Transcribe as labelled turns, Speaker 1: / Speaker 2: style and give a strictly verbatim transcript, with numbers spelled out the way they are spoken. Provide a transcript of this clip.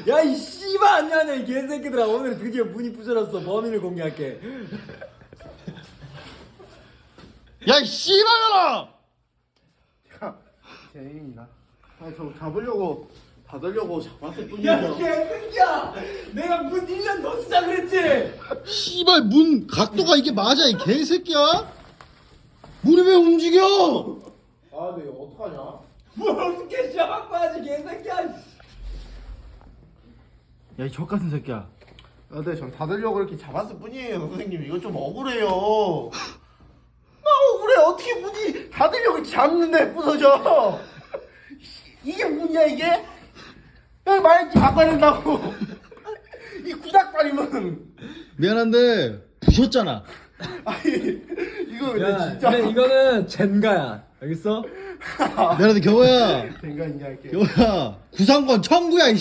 Speaker 1: 야 이 씨발 안녕하냐 이 개새끼들아. 오늘 드디어 문이 부셔졌어. 범인을 공개할게.
Speaker 2: 야 이 씨발년아!
Speaker 3: 제 애인이다. 아니 저 잡으려고 받으려고 잡았을 뿐이에요.
Speaker 1: 야 개새끼야. 내가 문 일 년 더 쓰자 그랬지.
Speaker 2: 씨발 문 각도가 이게 맞아 이 개새끼야? 문이 왜 움직여?
Speaker 3: 아 근데 이거 어떡하냐?
Speaker 1: 뭘 어떻게 시작할 거야지 개새끼야.
Speaker 2: 야 이 족같은 새끼야.
Speaker 3: 아, 근데 전 닫으려고 이렇게 잡았을 뿐이에요 선생님. 이거 좀 억울해요. 나 억울해. 어떻게 문이 닫으려고 잡는데 부서져. 이게 문이야 이게? 여기 말했지 바꿔야 된다고. 이 구닥다리면.
Speaker 2: 미안한데 부셨잖아.
Speaker 3: 아니 이거 근데
Speaker 1: 야
Speaker 3: 진짜.
Speaker 1: 근데 이거는 젠가야. 알겠어?
Speaker 2: 미안한데 겨우야.
Speaker 3: 된가 있냐 이렇게.
Speaker 2: 겨우야 구상권 청구야 이